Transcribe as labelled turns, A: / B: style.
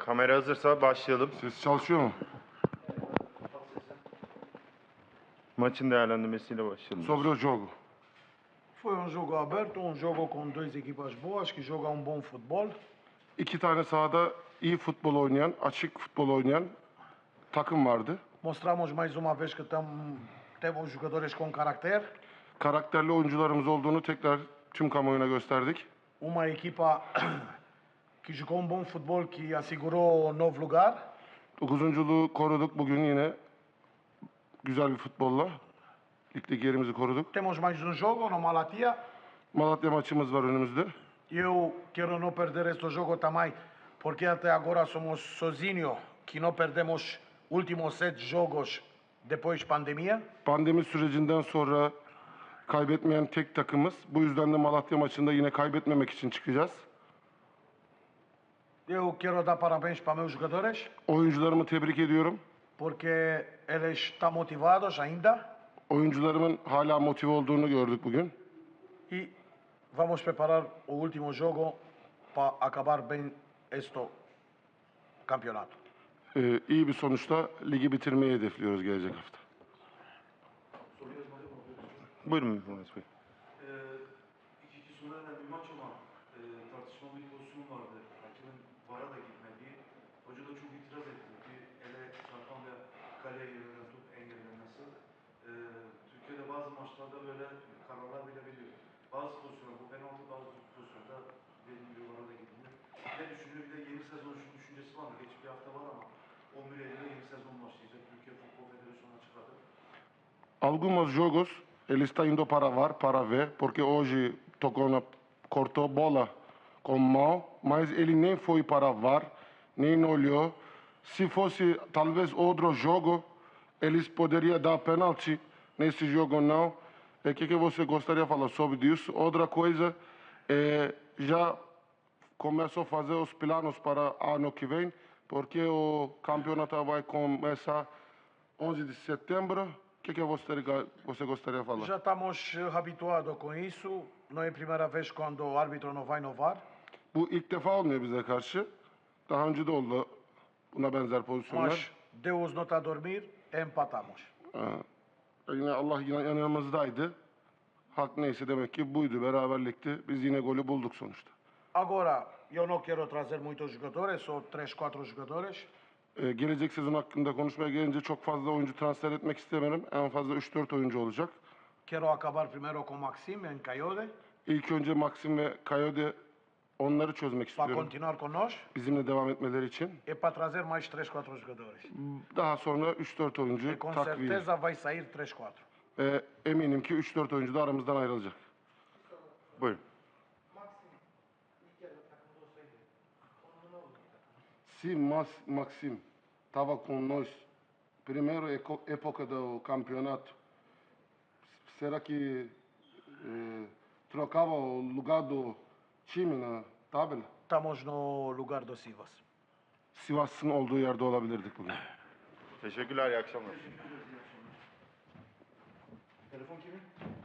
A: Kamera hazırsa başlayalım.
B: Ses çalışıyor mu?
A: Maçın değerlendirmesiyle başlayalım.
B: Sobre o jogo.
C: Foi um jogo aberto, um jogo com duas equipas boas que jogam um bom futebol.
B: İki tane sahada iyi futbol oynayan, açık futbol oynayan takım vardı.
C: Mostramos mais uma vez que temos jogadores com caráter.
B: Karakterli oyuncularımız olduğunu tekrar tüm kamuoyuna gösterdik.
C: Uma equipa que jogou um bom futebol que assegurou o novo lugar.
B: Dokuzunculuğu koruduk bugün yine güzel bir futbolla. Ligdeki yerimizi koruduk.
C: Temos mais um jogo no Malatia.
B: Malatya maçımız var önümüzde.
C: Eu quero não perder este jogo também, porque até agora somos sozinhos que não perdemos últimos 7 jogos depois pandemia.
B: Pandemi sürecinden sonra kaybetmeyen tek takımız. Bu yüzden de Malatya maçında yine kaybetmemek için çıkacağız.
C: Eu quero dar parabéns para meus jogadores,
B: Oyuncularımı tebrik ediyorum.
C: porque eles estão motivados ainda.
B: Oyuncularımın hala motive olduğunu gördük bugün.
C: E vamos preparar o último jogo para acabar bem este campeonato.
B: İyi bir sonuçla ligi bitirmeyi hedefliyoruz gelecek hafta.
A: Buyurun Mehmet Bey.
D: 2-2 sona eren bir maç ama tartışmalı bir pozisyon vardı. Hakemin VAR'a da gitmediği. Hoca da çok itiraz etti. Bir ele çarpan ve kaleye yönelen top engellenmesi. Türkiye'de bazı maçlarda böyle kararlar verebiliyor. Bazı pozisyonlar, bu penaltı, bazı pozisyonda dediğim gibi VAR'a da gitmiyor. Ne düşünüyor? Bir de yeni sezon şu düşüncesi var mı? Geç bir hafta var ama 11 Eylül'de yeni sezon başlayacak. Türkiye Futbol Federasyonu açıkladı.
B: Alguns jogos ele está indo para VAR para ver, porque hoje cortou bola com mão, mas ele nem foi para VAR, nem olhou. Se fosse talvez outro jogo, eles poderiam dar pênalti. Nesse jogo não. O que você gostaria de falar sobre isso? Outra coisa, já começou a fazer os planos para ano que vem, porque o campeonato vai começar 11 de setembro. O que você gostaria de falar?
C: Já estamos habituados com isso. Não é a primeira vez quando o árbitro não vai no VAR.
B: Bu ilk defa olmuyor bize karşı. Daha önce de oldu buna benzer pozisyonlar.
C: Mas Deus não está a dormir, empatamos.
B: Yine Allah yine yanımızdaydı. Hak neyse demek ki buydu, beraberlikti. Biz yine golü bulduk sonuçta.
C: Agora, eu não quero trazer muitos jogadores, só 3-4 jogadores.
B: Gelecek sezon hakkında konuşmaya gelince çok fazla oyuncu transfer etmek istemiyorum. En fazla 3-4 oyuncu olacak.
C: Quero acabar primeiro com Maxime em Caiode,
B: İlk önce Maxim ve Coyote onları çözmek
C: para
B: istiyorum.
C: continuar conosco,
B: Bizimle devam etmeleri için.
C: e para trazer mais 3-4 jogadores.
B: Daha sonra 3-4
C: E
B: oyuncu
C: com
B: takviye.
C: certeza vai sair 3-4.
B: Eminim ki 3-4 oyuncu da aramızdan ayrılacak.
A: Buyurun.
B: Se Maxim estava com nós, primeira época do campeonato, será que trocava o lugar do time na tabela?
C: Estamos no lugar do Sivas.
B: Sivas'ın olduğu yerde olabilirdik bugün.
A: Teşekkürler, iyi akşamlar.
D: Telefon kimin?